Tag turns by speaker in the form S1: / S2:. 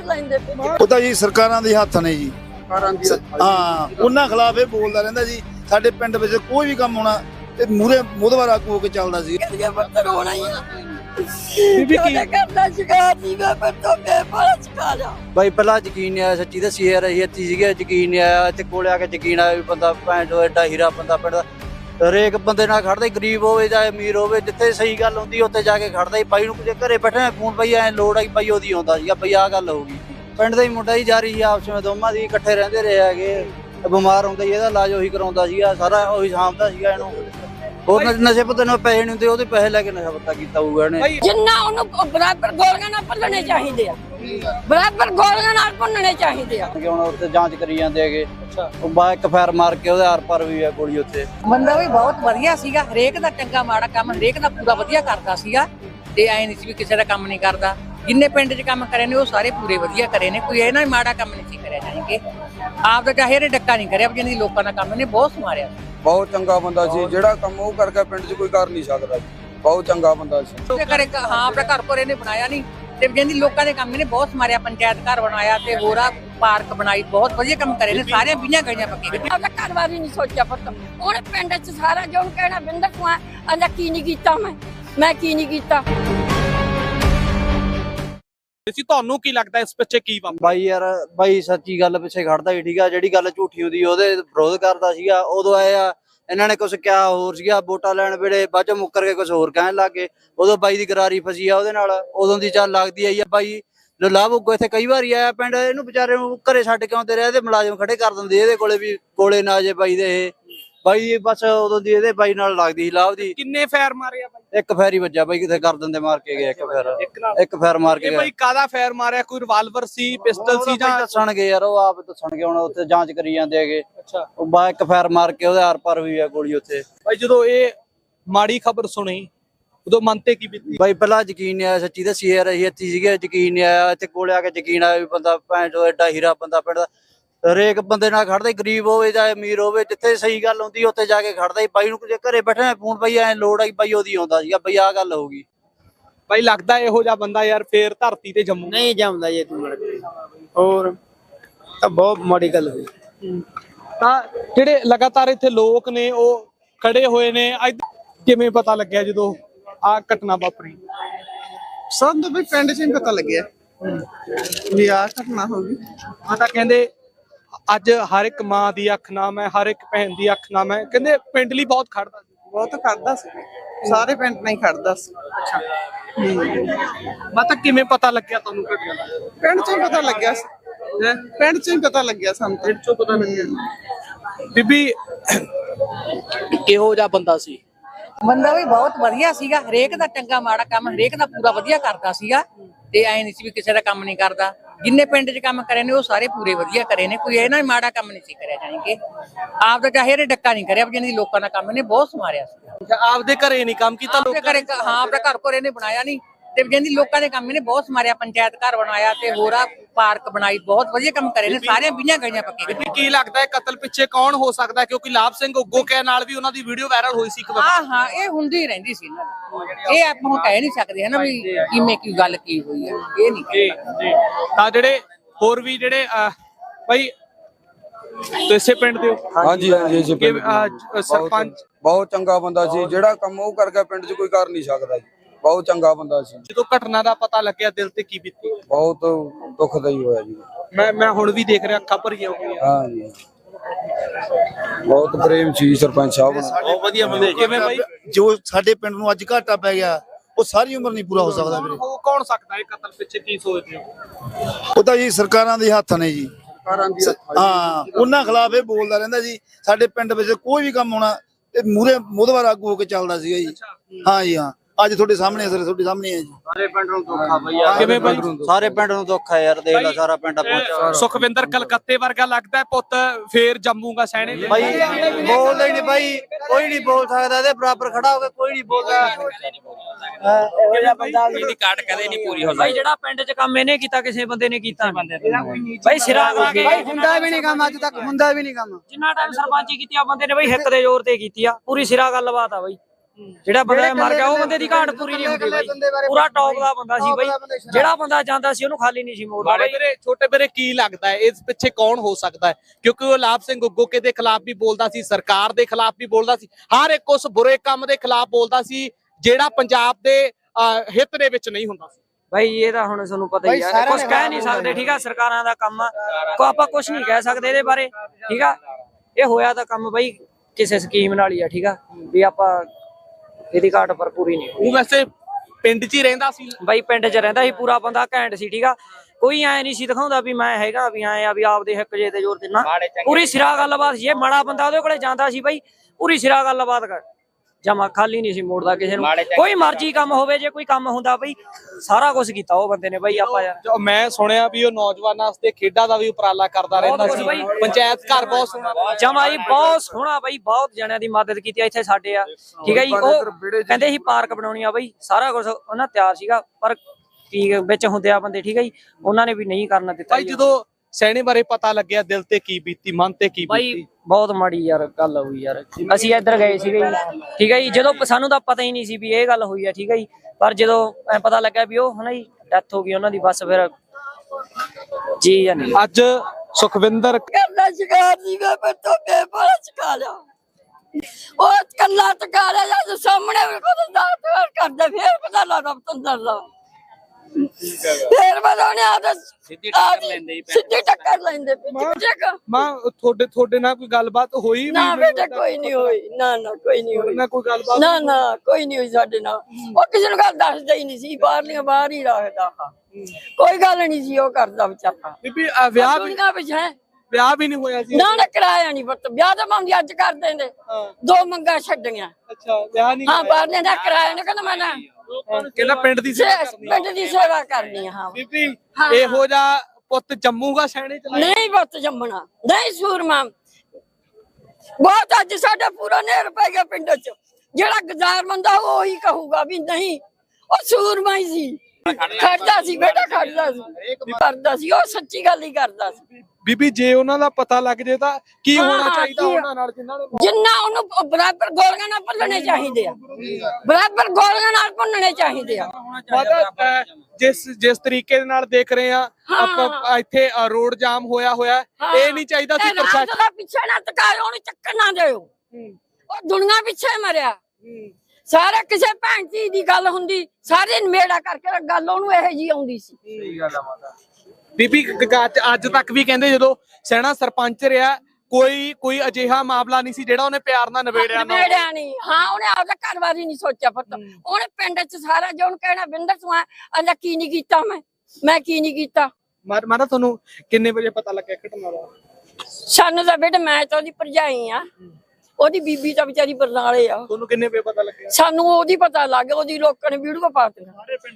S1: ਕਰ ਲੈਂਦੇ
S2: ਉਹ ਤਾਂ ਜੀ ਸਰਕਾਰਾਂ ਦੇ ਹੱਥ ਨੇ ਜੀ। ਹਾਂ, ਉਹਨਾਂ ਖਿਲਾਫ ਇਹ ਬੋਲਦਾ ਰਹਿੰਦਾ ਜੀ। ਸਾਡੇ ਪਿੰਡ ਵਿੱਚ ਕੋਈ ਵੀ ਕੰਮ ਹੋਣਾ ਤੇ ਮੂਹਰੇ ਮੋਦਵਾਰ ਆਗੂ ਹੋ ਕੇ ਚੱਲਦਾ ਸੀ।
S1: ਬੀਬੀ ਕੀ ਕਰਦਾ ਸ਼ਿਕਾਰ ਨਹੀਂ ਮੈਂ ਤੋਂ ਬੇਪਾਲ ਸ਼ਿਕਾਰ
S3: ਬਾਈ ਪਹਿਲਾਂ ਯਕੀਨ ਨਹੀਂ ਆਇਆ, ਸੱਚੀ ਦੱਸੀ ਯਾਰ। ਅਸੀਂ ਇੱਥੇ ਸੀਗੇ, ਯਕੀਨ ਨਹੀਂ ਆਇਆ। ਇੱਥੇ ਕੋਲੇ ਆ ਕੇ ਯਕੀਨ ਆਇਆ ਵੀ ਬੰਦਾ ਭੈਣ ਚੋ ਐਡਾ ਹੀਰਾ ਬੰਦਾ ਪਿੰਡ ਦਾ ਹਰੇਕ ਬੰਦੇ ਨਾਲ ਖੜਦਾ ਹੀ, ਗਰੀਬ ਹੋਵੇ ਜਾਂ ਅਮੀਰ ਹੋਵੇ। ਜਿੱਥੇ ਸਹੀ ਗੱਲ ਹੁੰਦੀ ਉੱਥੇ ਜਾ ਕੇ ਖੜਦਾ ਹੀ। ਬਾਈ ਨੂੰ ਜੇ ਘਰੇ ਬੈਠੇ ਫੋਨ ਪਈ ਐ ਲੋੜ ਆਈ ਬਾਈ ਉਹਦੀ ਆਉਂਦਾ ਸੀਗਾ। ਬਈ ਆਹ ਗੱਲ ਹੋਊਗੀ। ਪਿੰਡ ਦਾ ਹੀ ਮੁੰਡਾ ਹੀ ਜਾਰੀ ਸੀ, ਆਪਸ ਵਿੱਚ ਦੋਵਾਂ ਦੀ ਇਕੱਠੇ ਰਹਿੰਦੇ ਰਹੇ ਹੈਗੇ। ਬਿਮਾਰ ਹੁੰਦਾ ਸੀ, ਇਹਦਾ ਇਲਾਜ ਉਹੀ ਕਰਾਉਂਦਾ ਸੀਗਾ, ਸਾਰਾ ਉਹੀ ਸਾਂਭਦਾ ਸੀਗਾ ਇਹਨੂੰ। ਹੋਰ ਨਸ਼ੇ ਪੱਤੇ ਨੂੰ ਪੈਸੇ ਨਹੀਂ ਹੁੰਦੇ, ਉਹਦੇ ਪੈਸੇ ਲੈ ਕੇ ਨਸ਼ਾ ਪੱਤਾ ਕੀਤਾ ਹੋਊਗਾ ਇਹਨੇ।
S1: ਜਿੰਨਾ ਉਹਨੂੰ ਬਰਾਬਰ ਗੋਲੀਆਂ ਨਾਲ ਭੁੰਨਣੇ ਚਾਹੀਦੇ ਆ, ਬਰਾਬਰ ਗੋਲੀਆਂ ਨਾਲ ਭੁੰਨਣੇ ਚਾਹੀਦੇ ਆ।
S3: ਹੁਣ ਉੱਥੇ ਜਾਂਚ ਕਰੀ ਜਾਂਦੇ ਹੈਗੇ। ਉਹ ਬਾ ਇੱਕ ਫਾਇਰ ਮਾਰ ਕੇ ਉਹਦੇ ਆਰ ਪਰ ਵੀ ਆ ਗੋਲੀ ਉੱਥੇ।
S4: ਬੰਦਾ ਵੀ ਬਹੁਤ ਵਧੀਆ ਸੀਗਾ, ਹਰੇਕ ਦਾ ਚੰਗਾ ਮਾੜਾ ਕੰਮ ਹਰੇਕ ਦਾ ਪੂਰਾ ਵਧੀਆ ਕਰਦਾ ਸੀਗਾ। ਤੇ ਐ ਨਹੀਂ ਸੀ ਵੀ ਕਿਸੇ ਦਾ ਕੰਮ ਨਹੀਂ ਕਰਦਾ। ਜਿੰਨੇ ਪਿੰਡ 'ਚ ਕੰਮ ਕਰੇ ਨੇ ਉਹ ਸਾਰੇ ਪੂਰੇ ਵਧੀਆ ਕਰੇ ਨੇ। ਕੋਈ ਇਹਨਾਂ ਮਾੜਾ ਕੰਮ ਨਹੀਂ ਸੀ ਕਰਿਆ ਜਾਣੀ ਕਿ ਆਪ ਦਾ ਚਾਹੇ ਇਹਨੇ ਡੱਕਾ ਨਹੀਂ ਕਰਿਆ, ਜਿਹਨੇ ਲੋਕਾਂ ਦਾ ਕੰਮ ਨੇ ਬਹੁਤ ਸਮਾਰਿਆ।
S5: ਬਹੁਤ ਚੰਗਾ ਬੰਦਾ ਸੀ, ਜਿਹੜਾ ਕੰਮ ਉਹ ਕਰਕੇ ਪਿੰਡ 'ਚ ਕੋਈ ਕਰ ਨਹੀਂ ਸਕਦਾ। ਬਹੁਤ ਚੰਗਾ ਬੰਦਾ ਸੀ।
S4: ਉਹਦੇ ਘਰੇ ਹਾਂ ਆਪਣਾ ਘਰ ਘਰ ਇਹਨੇ ਬਣਾਇਆ ਨਹੀਂ ਤੇ ਜਿਹਦੀ ਲੋਕਾਂ ਦੇ ਕੰਮ ਨੇ ਬਹੁਤ ਸਮਾਰਿਆ। ਪੰਚਾਇਤ ਘਰ ਬਣਾਇਆ ਤੇ ਹੋਰ ਆ ਪਾਰਕ ਬਣਾਈ, ਬਹੁਤ ਵਧੀਆ ਕੰਮ ਕਰੇ ਨੇ। ਸਾਰੀਆਂ ਬੀਆਂ ਗਈਆਂ ਪੱਕੇ।
S1: ਆਪਦਾ ਘਰ ਵਾਰੀ ਨਹੀਂ ਸੋਚਿਆ ਪੁੱਤ। ਉਹਨੇ ਪਿੰਡ 'ਚ ਸਾਰਾ ਜੋ ਕਹਿਣਾ ਬਿੰਦਰ ਤੂੰ ਅੰਦਾ ਕੀ ਨਹੀਂ ਕੀਤਾ, ਮੈਂ ਕੀ ਨਹੀਂ ਕੀਤਾ।
S6: ਤੁਹਾਨੂੰ ਕੀ ਲੱਗਦਾ ਇਸ ਪਿੱਛੇ ਕੀ ਵਾਪਰਿਆ?
S3: ਬਾਈ ਯਾਰ ਬਾਈ ਸੱਚੀ ਗੱਲ ਪਿੱਛੇ ਖੜਦਾ ਹੀ ਠੀਕ ਆ। ਜਿਹੜੀ ਗੱਲ ਝੂਠੀ ਹੁੰਦੀ ਉਹਦੇ ਵਿਰੋਧ ਕਰਦਾ ਸੀਗਾ। ਉਦੋਂ ਆਇਆ ਇਹਨਾਂ ਨੇ ਕੁਛ ਕਿਹਾ ਹੋਰ ਸੀਗਾ, ਵੋਟਾਂ ਲੈਣ ਵੇਲੇ ਬਾਅਦ ਚੋਂ ਮੁੱਕਰ ਕੇ ਕੁਛ ਹੋਰ ਕਹਿਣ ਲੱਗ ਗਏ। ਉਦੋਂ ਬਾਈ ਦੀ ਗਰਾਰੀ ਫਸੀ ਆ ਉਹਦੇ ਨਾਲ, ਉਦੋਂ ਦੀ ਚੱਲ ਲੱਗਦੀ ਆਈ ਆ। ਬਾਈ ਲਾਭ ਉੱਗੋ ਇੱਥੇ ਕਈ ਵਾਰੀ ਆਇਆ ਪਿੰਡ, ਇਹਨੂੰ ਵਿਚਾਰੇ ਨੂੰ ਘਰੇ ਛੱਡ ਕੇ ਆਉਂਦੇ ਰਹੇ। ਇਹਦੇ ਮੁਲਾਜ਼ਮ ਖੜੇ ਕਰ ਦਿੰਦੇ ਇਹਦੇ ਕੋਲੇ ਵੀ ਕੋਲੇ ਨਾ ਜੇ ਬਾਈ ਦੇ। ਇਹ ਬਾਈ ਬਸ ਉਦੋਂ ਦੀ ਇਹਦੇ ਬਾਈ ਨਾਲ ਲੱਗਦੀ ਸੀ ਲਾਭ ਦੀ।
S6: ਕਿੰਨੇ ਫਾਇਰ ਮਾਰੇ ਆ ਬਾਈ?
S3: ਇੱਕ ਫੈਰ ਹੀ ਵੱਜਾ ਬਾਈ, ਕਿਤੇ ਕਰ ਦਿੰਦੇ ਮਾਰ ਕੇ ਗਏ ਇੱਕ ਫੈਰ ਮਾਰ ਕੇ
S6: ਇਹ ਬਾਈ ਕਾਹਦਾ ਫਾਇਰ ਮਾਰਿਆ? ਕੋਈ ਰਿਵਾਲਵਰ ਸੀ, ਪਿਸਟਲ ਸੀ ਜਾਂ?
S3: ਦੱਸਣਗੇ ਯਾਰ, ਉਹ ਆਪ ਦੱਸਣਗੇ। ਹੁਣ ਉੱਥੇ ਜਾਂਚ ਕਰੀ ਜਾਂਦੇ ਹੈਗੇ।
S6: ਅੱਛਾ,
S3: ਉਹ ਬਾ ਇੱਕ ਫੈਰ ਮਾਰ ਕੇ ਉਹਦੇ ਆਰ ਪਰ ਵੀ ਆ ਗੋਲੀ ਉੱਥੇ।
S6: ਬਾਈ ਜਦੋਂ ਇਹ ਮਾੜੀ ਖਬਰ ਸੁਣੀ ਉਦੋਂ ਮਨ ਤੇ ਕੀ ਬੀਤੀ?
S3: ਬਾਈ ਪਹਿਲਾਂ ਯਕੀਨ ਨਹੀਂ ਆਇਆ, ਸੱਚੀ ਦੱਸੀ ਯਾਰ। ਅਸੀਂ ਇੱਥੇ ਸੀਗੇ, ਯਕੀਨ ਨਹੀਂ ਆਇਆ। ਇੱਥੇ ਕੋਲੇ ਆ ਕੇ ਯਕੀਨ ਆਇਆ ਵੀ ਬੰਦਾ ਭੈਣ ਚੋ ਐਡਾ ਹੀਰਾ ਬੰਦਾ ਪਿੰਡ ਦਾ ਹਰੇਕ ਬੰਦੇ ਨਾਲ ਖੜਦਾ ਹੀ, ਗਰੀਬ ਹੋਵੇ ਜਾਂ ਅਮੀਰ ਹੋਵੇ। ਜਿੱਥੇ ਸਹੀ ਗੱਲ ਹੁੰਦੀ ਉੱਥੇ ਜਾ ਕੇ ਖੜਦਾ ਹੀ। ਬਾਈ ਨੂੰ ਜੇ ਘਰੇ ਬੈਠੇ ਫੋਨ ਪਈ ਐ ਲੋੜ ਆਈ ਬਾਈ ਉਹਦੀ ਆਉਂਦਾ ਸੀਗਾ। ਬਈ ਆਹ ਗੱਲ ਹੋਊਗੀ।
S6: ਬਾਈ ਲੱਗਦਾ ਇਹੋ ਜਿਹਾ ਬੰਦਾ ਯਾਰ ਫੇਰ ਧਰਤੀ ਤੇ ਜੰਮੂ
S7: ਨਹੀਂ ਜੰਮਦਾ ਜੇ ਤੂੰ ਹੋਰ ਤਾਂ ਬਹੁਤ ਮਾੜੀ ਗੱਲ ਹੋਈ।
S6: ਤਾਂ ਜਿਹੜੇ ਲਗਾਤਾਰ ਇੱਥੇ ਲੋਕ ਨੇ ਉਹ ਖੜੇ ਹੋਏ ਨੇ। ਅੱਜ ਕਿਵੇਂ ਪਤਾ ਲੱਗਿਆ ਜਦੋਂ ਆਹ ਘਟਨਾ ਵਾਪਰੀ?
S7: ਸਾਨੂੰ ਤਾਂ ਬਈ ਪਿੰਡ 'ਚ ਹੀ ਪਤਾ ਲੱਗਿਆ ਵੀ ਆਹ ਘਟਨਾ ਹੋ ਗਈ।
S6: ਆ ਤਾਂ ਕਹਿੰਦੇ ਅੱਜ ਹਰ ਇੱਕ ਮਾਂ ਦੀ ਅੱਖ ਨਾਮ ਹੈ, ਹਰ ਇੱਕ ਭੈਣ ਦੀ ਅੱਖ ਨਾਮ ਹੈ। ਕਹਿੰਦੇ ਪਿੰਡ ਲਈ ਬਹੁਤ ਖੜਦਾ ਸੀ।
S7: ਬਹੁਤ ਖੜਦਾ ਸੀ, ਸਾਰੇ ਪਿੰਡ ਨਹੀਂ ਖੜਦਾ ਸੀ।
S6: ਮਤਲਬ ਕਿਵੇਂ ਪਤਾ ਲੱਗਿਆ ਤੁਹਾਨੂੰ ਘਟਨਾ ਦਾ?
S7: ਪਿੰਡ 'ਚ ਹੀ ਪਤਾ ਲੱਗਿਆ ਸੀ। ਪਿੰਡ 'ਚ ਹੀ ਪਤਾ ਲੱਗਿਆ ਸਾਨੂੰ।
S6: ਪਿੰਡ ਚੋਂ ਪਤਾ ਲੱਗਿਆ। ਬੀਬੀ ਕਿਹੋ ਜਿਹਾ ਬੰਦਾ ਸੀ?
S4: ਬੰਦਾ ਵੀ ਬਹੁਤ ਵਧੀਆ ਸੀਗਾ, ਹਰੇਕ ਦਾ ਚੰਗਾ ਮਾੜਾ ਕੰਮ ਹਰੇਕ ਦਾ ਪੂਰਾ ਵਧੀਆ ਕਰਦਾ ਸੀਗਾ। ਤੇ ਐ ਨਹੀਂ ਸੀ ਵੀ ਕਿਸੇ ਦਾ ਕੰਮ ਨਹੀਂ ਕਰਦਾ। ਜਿੰਨੇ ਪਿੰਡ 'ਚ ਕੰਮ ਕਰੇ ਨੇ ਉਹ ਸਾਰੇ ਪੂਰੇ ਵਧੀਆ ਕਰੇ ਨੇ। ਕੋਈ ਇਹਨਾਂ ਮਾੜਾ ਕੰਮ ਨਹੀਂ ਸੀ ਕਰਿਆ ਜਾਣੀ ਕਿ ਆਪ ਦਾ ਚਾਹੇ ਇਹਨੇ ਡੱਕਾ ਨਹੀਂ ਕਰਿਆ, ਜਿਹਨੇ ਲੋਕਾਂ ਦਾ ਕੰਮ ਨੇ ਬਹੁਤ ਸਮਾਰਿਆ ਸੀ।
S6: ਆਪਦੇ ਘਰੇ ਨਹੀਂ ਕੰਮ ਕੀਤਾ
S4: ਆਪਦੇ ਘਰੇ ਹਾਂ ਆਪਣਾ ਘਰ ਘਰ ਇਹਨੇ ਬਣਾਇਆ ਨਹੀਂ ਤੇ ਜਿਹਦੀ ਲੋਕਾਂ ਦੇ ਕੰਮ ਨੇ ਬਹੁਤ ਸਮਾਰਿਆ। ਪੰਚਾਇਤ ਘਰ ਬਣਾਇਆ ਤੇ ਹੋਰ ਆ ਪਾਰਕ ਬਣਾਈ, ਬਹੁਤ ਵਧੀਆ ਕੰਮ ਕਰੇ ਨੇ। ਸਾਰੀਆਂ ਬੀਆਂ ਗਈਆਂ ਪੱਕੇ।
S6: ਬੀਬੀ ਕੀ ਲੱਗਦਾ ਹੈ ਕਤਲ ਪਿੱਛੇ ਕੌਣ ਹੋ ਸਕਦਾ? ਕਿਉਂਕਿ ਲਾਭ ਸਿੰਘ ਉੱਗੋਕੇ ਨਾਲ ਵੀ ਉਹਨਾਂ ਦੀ ਵੀਡੀਓ ਵਾਇਰਲ ਹੋਈ ਸੀ ਇੱਕ ਵਾਰ।
S4: ਹਾਂ ਇਹ ਹੁੰਦੀ ਹੀ ਰਹਿੰਦੀ ਸੀ ਇਹਨਾਂ ਦੀ। ਇਹ ਆਪਾਂ ਹੁਣ ਕਹਿ ਨਹੀਂ ਸਕਦੇ ਹਨਾ ਵੀ ਕਿਵੇਂ ਕੀ ਗੱਲ ਕੀ ਹੋਈ ਹੈ, ਇਹ ਨਹੀਂ ਕਹਿ ਸਕਦੇ।
S6: ਤਾਂ ਜਿਹੜੇ ਹੋਰ ਵੀ ਜਿਹੜੇ ਬਾਈ ਇਸੇ ਪਿੰਡ ਦੇ
S5: ਹਾਂਜੀ ਹਾਂਜੀ।
S6: ਸਰਪੰਚ
S5: ਬਹੁਤ ਚੰਗਾ ਬੰਦਾ ਸੀ, ਜਿਹੜਾ ਕੰਮ ਉਹ ਕਰਕੇ ਪਿੰਡ 'ਚ ਕੋਈ ਕਰ ਨਹੀਂ ਸਕਦਾ। ਬਹੁਤ ਚੰਗਾ ਬੰਦਾ ਸੀ।
S6: ਜਦੋਂ ਘਟਨਾ ਦਾ ਪਤਾ ਲੱਗਿਆ ਦਿਲ ਤੇ ਕੀ ਬੀਤੀ?
S5: ਬਹੁਤ ਦੁਖਦਾਈ ਹੋਇਆ ਜੀ।
S6: ਮੈਂ ਹੁਣ ਵੀ ਦੇਖ ਰਿਹਾ, ਅੱਖਾਂ ਭਰੀਆਂ ਹੋਈਆਂ।
S5: ਹਾਂ ਜੀ, ਬਹੁਤ ਪ੍ਰੇਮ ਸੀ ਸਰਪੰਚ ਸਾਹਿਬ ਨਾਲ।
S6: ਬਹੁਤ ਵਧੀਆ ਬੰਦੇ। ਕਿਵੇਂ ਬਾਈ
S2: ਜੋ ਸਾਡੇ ਪਿੰਡ ਨੂੰ ਅੱਜ ਘਾਟਾ ਪੈ ਗਿਆ ਉਹ ਸਾਰੀ ਉਮਰ ਨਹੀਂ ਪੂਰਾ ਹੋ ਸਕਦਾ ਵੀਰੇ।
S6: ਉਹ ਕੌਣ ਸਕਦਾ ਇਹ ਕਤਲ ਪਿੱਛੇ? ਕੀ ਸੋਚਦੇ ਹੋ?
S2: ਉਹ ਤਾਂ ਜੀ ਸਰਕਾਰਾਂ ਦੇ ਹੱਥ ਨੇ ਜੀ। ਹਾਂ, ਉਹਨਾਂ ਖਿਲਾਫ ਇਹ ਬੋਲਦਾ ਰਹਿੰਦਾ ਜੀ। ਸਾਡੇ ਪਿੰਡ ਵਿੱਚ ਕੋਈ ਵੀ ਕੰਮ ਹੋਣਾ ਤੇ ਮੂਹਰੇ ਮੋਦਵਾਰ ਆਗੂ ਹੋ ਕੇ ਚੱਲਦਾ ਸੀਗਾ ਜੀ। ਹਾਂ ਜੀ ਹਾਂ, ਅੱਜ ਤੁਹਾਡੇ ਸਾਹਮਣੇ ਸਰ, ਤੁਹਾਡੇ ਸਾਹਮਣੇ ਹੈ ਜੀ।
S3: ਸਾਰੇ ਪਿੰਡ ਨੂੰ ਦੁੱਖ ਆ ਬਈ ਯਾਰ।
S6: ਕਿਵੇਂ ਬਾਈ?
S3: ਸਾਰੇ ਪਿੰਡ ਨੂੰ ਦੁੱਖ ਆ ਯਾਰ। ਦੇਖ ਲੈ ਸਾਰਾ ਪਿੰਡ ਪਹੁੰਚਿਆ।
S6: ਸੁਖਵਿੰਦਰ ਕਲਕੱਤੇ ਵਰਗਾ ਲੱਗਦਾ ਪੁੱਤ ਫੇਰ ਜੰਮੂਗਾ ਸੈਣੇ।
S3: ਬਾਈ ਬੋਲਦਾ ਹੀ ਨਹੀਂ ਬਾਈ, ਕੋਈ ਨਹੀਂ ਬੋਲ ਸਕਦਾ। ਇਹਦੇ ਬਰਾਬਰ ਖੜਾ ਹੋ ਕੇ ਕੋਈ ਨਹੀਂ ਬੋਲਦਾ। ਇਹੋ ਜਿਹਾ ਬੰਦਾ
S8: ਇਹਦੀ ਕਾਟ ਕਦੇ ਨਹੀਂ ਪੂਰੀ ਹੋ ਸਕਦੀ। ਬਾਈ ਜਿਹੜਾ ਪਿੰਡ 'ਚ ਕੰਮ ਇਹਨੇ ਕੀਤਾ ਕਿਸੇ ਬੰਦੇ ਨੇ ਕੀਤਾ ਬਾਈ ਸਿਰਾ ਲਾ ਕੇ।
S7: ਬਾਈ ਹੁੰਦਾ ਵੀ ਨਹੀਂ ਕੰਮ, ਅੱਜ ਤੱਕ ਹੁੰਦਾ ਵੀ ਨਹੀਂ ਕੰਮ।
S8: ਜਿੰਨਾ ਟਾਈਮ ਸਰਪੰਚੀ ਕੀਤੀ ਆ ਬੰਦੇ ਨੇ ਬਾਈ ਹਿੱਕ ਦੇ ਜ਼ੋਰ ਤੇ ਕੀਤੀ ਆ। ਪੂਰੀ ਸਿਰਾ ਗੱਲਬਾਤ ਆ ਬਾਈ। ਜਿਹੜਾ ਬੰਦਾ ਮਰ ਗਿਆ ਉਹ ਬੰਦੇ ਦੀ ਘਾਟ ਪੂਰੀ ਨਹੀਂ ਹੁੰਦੀ ਬਾਈ। ਪੂਰਾ ਟੌਪ ਦਾ ਬੰਦਾ ਸੀ ਬਾਈ, ਜਿਹੜਾ ਬੰਦਾ ਜਾਂਦਾ ਸੀ ਉਹਨੂੰ ਖਾਲੀ ਨਹੀਂ ਸੀ ਮੋੜਦਾ ਬਾਈ।
S6: ਛੋਟੇ ਵੀਰੇ ਕੀ ਲੱਗਦਾ ਹੈ ਇਸ ਪਿੱਛੇ ਕੌਣ ਹੋ ਸਕਦਾ ਹੈ? ਕਿਉਂਕਿ ਉਹ ਲਾਭ ਸਿੰਘ ਗੁੱਗੋਕੇ ਦੇ ਖਿਲਾਫ ਵੀ ਬੋਲਦਾ ਸੀ, ਸਰਕਾਰ ਦੇ ਖਿਲਾਫ ਵੀ ਬੋਲਦਾ ਸੀ, ਹਰ ਇੱਕ ਉਸ ਬੁਰੇ ਕੰਮ ਦੇ ਖਿਲਾਫ ਬੋਲਦਾ ਸੀ ਜਿਹੜਾ ਪੰਜਾਬ ਦੇ ਹਿੱਤ ਦੇ ਵਿੱਚ ਨਹੀਂ ਹੁੰਦਾ ਸੀ।
S8: ਬਾਈ ਇਹ ਤਾਂ ਹੁਣ ਤੁਹਾਨੂੰ ਪਤਾ ਹੀ ਆ, ਕੁਝ ਕਹਿ ਨਹੀਂ ਸਕਦੇ ਠੀਕ ਆ, ਸਰਕਾਰਾਂ ਦਾ ਕੰਮ ਆ, ਆਪਾਂ ਕੁਝ ਨਹੀਂ ਕਹਿ ਸਕਦੇ ਇਹਦੇ ਬਾਰੇ ਠੀਕ ਆ। ਇਹ ਹੋਇਆ ਤਾਂ ਕੰਮ ਬਾਈ ਕਿਸੇ ਸਕੀਮ ਨਾਲ ਹੀ ਆ ਠੀਕ ਆ, ਵੀ ਆਪਾਂ ਇਹਦੀ ਘਾਟ ਪਰ ਪੂਰੀ ਨਹੀਂ ਹੋਈ।
S6: ਉਹ ਵੈਸੇ ਪਿੰਡ 'ਚ ਹੀ ਰਹਿੰਦਾ ਸੀ
S8: ਬਾਈ, ਪਿੰਡ 'ਚ ਰਹਿੰਦਾ ਸੀ, ਪੂਰਾ ਬੰਦਾ ਘੈਂਟ ਸੀ ਠੀਕ ਆ। ਕੋਈ ਐ ਨਹੀਂ ਸੀ ਦਿਖਾਉਂਦਾ ਵੀ ਮੈਂ ਹੈਗਾ ਵੀ ਐ ਆ ਵੀ ਆਪਦੇ ਹੱਕ ਜੇ ਤੇ ਜ਼ੋਰ ਦਿੰਨਾ। ਪੂਰੀ ਸਿਰਾ ਗੱਲਬਾਤ ਸੀ, ਇਹ ਮਾੜਾ ਬੰਦਾ ਉਹਦੇ ਕੋਲੇ ਜਾਂਦਾ ਸੀ ਬਾਈ, ਪੂਰੀ ਸਿਰਾ ਗੱਲਬਾਤ ਕਰ ਜਮਾ ਖਾਲੀ ਨਹੀਂ ਸੀ ਮੋੜਦਾ ਕਿਸੇ ਨੂੰ। ਕੋਈ ਮਰਜ਼ੀ ਕੰਮ ਹੋਵੇ, ਜੇ ਕੋਈ ਕੰਮ ਹੁੰਦਾ ਬਈ ਸਾਰਾ ਕੁਝ ਕੀਤਾ ਉਹ ਬੰਦੇ ਨੇ ਬਈ। ਆਪਾਂ ਯਾਰ
S6: ਮੈਂ ਸੁਣਿਆ ਵੀ ਉਹ ਨੌਜਵਾਨਾਂ ਵਾਸਤੇ ਖੇਡਾਂ ਦਾ ਵੀ ਉਪਰਾਲਾ ਕਰਦਾ ਰਹਿੰਦਾ ਸੀ, ਪੰਚਾਇਤ ਘਰ ਬਹੁਤ ਸੋਹਣਾ
S8: ਜਮਾ ਜੀ, ਬਹੁਤ ਸੋਹਣਾ ਬਈ, ਬਹੁਤ ਜਣਿਆਂ ਦੀ ਮਦਦ ਕੀਤੀ ਇੱਥੇ ਸਾਡੇ ਆ ਠੀਕ ਹੈ ਜੀ। ਉਹ ਕਹਿੰਦੇ ਸੀ ਪਾਰਕ ਬਣਾਉਣੀ ਆ ਬਈ, ਸਾਰਾ ਕੁਝ ਉਹਨਾਂ ਤਿਆਰ ਸੀਗਾ, ਪਰ ਕੀ ਵਿੱਚ ਹੁੰਦੇ ਆ ਬੰਦੇ ਠੀਕ ਹੈ ਜੀ, ਉਹਨਾਂ ਨੇ ਵੀ ਨਹੀਂ ਕਰਨ ਦਿੱਤਾ।
S6: ਭਾਈ ਜਦੋਂ ਸੈਣੀ ਬਾਰੇ ਪਤਾ ਲੱਗਿਆ ਦਿਲ ਤੇ ਕੀ ਬੀਤੀ, ਮਨ ਤੇ ਕੀ
S8: ਬਾਈ
S6: ਬੀਤੀ?
S8: ਬਹੁਤ ਮਾੜੀ ਯਾਰ ਗੱਲ ਹੋਈ ਯਾਰ। ਅਸੀਂ ਇੱਧਰ ਗਏ ਸੀਗੇ ਠੀਕ ਹੈ ਜੀ, ਜਦੋਂ ਸਾਨੂੰ ਤਾਂ ਪਤਾ ਹੀ ਨਹੀਂ ਸੀ ਵੀ ਇਹ ਗੱਲ ਹੋਈ ਹੈ ਠੀਕ ਹੈ ਜੀ, ਪਰ ਜਦੋਂ ਐ ਪਤਾ ਲੱਗਾ ਵੀ ਉਹ ਹਨਾ ਜੀ ਡੈਥ ਹੋ ਗਈ ਉਹਨਾਂ ਦੀ, ਬਸ ਫਿਰ ਜੀ ਜਾਂ ਨਹੀਂ।
S6: ਅੱਜ ਸੁਖਵਿੰਦਰ
S1: ਕਰਨਾ ਸ਼ਿਕਾਰ ਸੀ ਮੈਂ ਤੋਂ ਬੇਬੜਾ ਚਕਾ ਲਿਆ, ਉਹ ਕੱਲਾ ਚਕਾ ਲਿਆ ਜਦ ਸਾਹਮਣੇ ਵੀ ਕੋਈ ਦਾਤ ਕਰਦਾ, ਫੇਰ ਪਤਾ ਲੱਗਦਾ ਪਤੰਦਰ ਦਾ, ਫੇਰ ਬਦੋਨੇ ਆਦਾ ਸਿੱਧੀ ਟੱਕਰ ਲੈਂਦੇ ਪਿੱਛੇ।
S6: ਮਾਂ ਤੁਹਾਡੇ ਨਾਲ ਕੋਈ ਗੱਲਬਾਤ ਹੋਈ?
S1: ਨਾ ਬੇਟਾ ਕੋਈ ਨਹੀਂ ਹੋਈ, ਨਾ ਕੋਈ ਨਹੀਂ ਹੋਈ,
S6: ਨਾ ਕੋਈ ਗੱਲਬਾਤ
S1: ਨਾ ਕੋਈ ਨਹੀਂ ਹੋਈ ਸਾਡੇ ਨਾਲ। ਉਹ ਕਿਸੇ ਨੂੰ ਗੱਲ ਦੱਸਦਾ ਹੀ ਨਹੀਂ ਸੀ, ਬਾਹਰਲੀਆਂ ਬਾਹਰ ਹੀ ਰੱਖਦਾ, ਕੋਈ ਗੱਲ ਨਹੀਂ ਸੀ ਉਹ ਕਰਦਾ ਵਿਚਾਰਾ।
S6: ਬੀਬੀ ਵਿਆਹ
S1: ਦੁਨੀਆ ਵਿੱਚ ਹੈ,
S6: ਵਿਆਹ ਵੀ ਨਹੀਂ ਹੋਇਆ ਸੀ?
S1: ਨਾ ਕਰਾਇਆ ਨਹੀਂ ਪੁੱਤ, ਵਿਆਹ ਤਾਂ ਮੰਮੀ ਅੱਜ ਕਰ ਦਿੰਦੇ, 2 ਮੰਗਾਂ ਛੱਡੀਆਂ।
S6: ਅੱਛਾ ਵਿਆਹ ਨਹੀਂ
S1: ਹਾਂ ਬਾਹਰਲੇ ਦਾ ਕਰਾਇਆ ਨੇ, ਕਹਿੰਦਾ ਮੈਂ ਨਾ
S6: ਕਹਿੰਦਾ ਪਿੰਡ ਦੀ ਸੇਵਾ ਕਰਨੀ,
S1: ਪਿੰਡ ਦੀ ਸੇਵਾ ਕਰਨੀ। ਹਾਂ
S6: ਬੀਬੀ ਇਹੋ ਜਿਹਾ ਪੁੱਤ ਜੰਮੂਗਾ ਸੈਣੇ ਚ?
S1: ਨਹੀਂ ਪੁੱਤ ਜੰਮਣਾ ਨਹੀਂ, ਸੂਰਮਾ ਬਹੁਤ ਅੱਜ ਸਾਡਾ ਪੂਰਾ ਨੇਰ ਪੈ ਗਿਆ ਪਿੰਡ ਚ। ਜਿਹੜਾ ਗੁਜ਼ਾਰ ਬੰਦਾ ਉਹ ਹੀ ਕਹੂਗਾ ਵੀ ਨਹੀਂ ਉਹ ਸੂਰਮਾ ਹੀ ਸੀ, ਖੜਦਾ ਸੀ ਬੇਟਾ, ਖੜਦਾ ਸੀ, ਕਰਦਾ ਸੀ, ਉਹ ਸੱਚੀ ਗੱਲ ਹੀ ਕਰਦਾ ਸੀ।
S6: ਬੀਬੀ ਜੇ ਉਹਨਾਂ ਦਾ ਪਤਾ ਲੱਗ ਜੇ ਤਾਂ ਕੀ ਹੋਣਾ ਚਾਹੀਦਾ ਉਹਨਾਂ ਨਾਲ?
S1: ਜਿੰਨਾ ਉਹਨੂੰ ਬਰਾਬਰ ਗੋਲੀਆਂ ਨਾਲ ਭੁੰਨਣੇ ਚਾਹੀਦੇ ਆ, ਬਰਾਬਰ ਗੋਲੀਆਂ ਨਾਲ ਭੁੰਨਣੇ ਚਾਹੀਦੇ ਆ।
S6: ਜਿਸ ਤਰੀਕੇ ਦੇ ਨਾਲ ਦੇਖ ਰਹੇ ਆ ਆਪਾਂ ਇੱਥੇ ਰੋਡ ਜਾਮ ਹੋਇਆ ਇਹ ਨਹੀਂ ਚਾਹੀਦਾ ਸੀ ਪ੍ਰਸ਼ਾਸਨ
S1: ਦਾ ਪਿੱਛੇ ਨਾ ਟਕਾਇਓ, ਉਹਨੂੰ ਚੱਕਰ ਨਾ ਦਿਓ, ਉਹ ਦੁਨੀਆ ਪਿੱਛੇ ਮਰਿਆ। ਸਾਰਾ ਕਿਸੇ ਭੈਣ ਧੀ ਦੀ ਗੱਲ ਹੁੰਦੀ, ਸਾਰੇ ਨਵੇੜਾ ਕਰਕੇ ਗੱਲ ਉਹਨੂੰ ਇਹੋ ਜੀ ਆਉਂਦੀ ਸੀ।
S6: ਸਹੀ ਗੱਲ ਆ ਮਾਤਾ। ਬੀਬੀ ਅੱਜ ਤੱਕ ਵੀ ਕਹਿੰਦੇ ਜਦੋਂ ਸੈਣਾ ਸਰਪੰਚ ਰਿਹਾ ਕੋਈ ਅਜਿਹਾ ਮਾਮਲਾ ਨਹੀਂ ਸੀ ਜਿਹੜਾ ਉਹਨੇ ਪਿਆਰ ਨਾਲ ਨਿਬੇੜਿਆ
S1: ਨਹੀਂ। ਹਾਂ ਉਹਨੇ ਆਪਦਾ ਘਰ-ਬਾਰ ਹੀ ਨਹੀਂ ਸੋਚਿਆ ਪੁੱਤ, ਉਹਨੇ ਪਿੰਡ ਚ ਸਾਰਾ ਜੋ ਉਹਨੂੰ ਕਹਿਣਾ ਬਿੰਦਰ ਤੂੰ ਆਂਦਾ ਕੀ ਨਹੀਂ ਕੀਤਾ, ਮੈਂ ਕੀ ਨਹੀਂ ਕੀਤਾ।
S6: ਮਾਤਾ ਤੁਹਾਨੂੰ ਕਿੰਨੇ ਵਜੇ ਪਤਾ ਲੱਗਿਆ ਘਟਨਾ ਦਾ?
S1: ਸਾਨੂੰ ਤਾਂ ਬੇਟਾ, ਮੈਂ ਤਾਂ ਉਹਦੀ ਭਰਜਾਈ ਆ, ਉਹਦੀ ਬੀਬੀ ਤਾਂ ਵਿਚਾਰੀ ਬਰਨਾਲੇ ਆ।
S6: ਤੁਹਾਨੂੰ ਕਿੰਨੇ ਵਜੇ ਪਤਾ ਲੱਗਿਆ?
S1: ਸਾਨੂੰ ਉਹਦੀ ਪਤਾ ਲੱਗ ਗਿਆ, ਉਹਦੀ ਲੋਕਾਂ ਨੇ ਵੀਡੀਓ ਪਾ ਦਿੱਤੀ।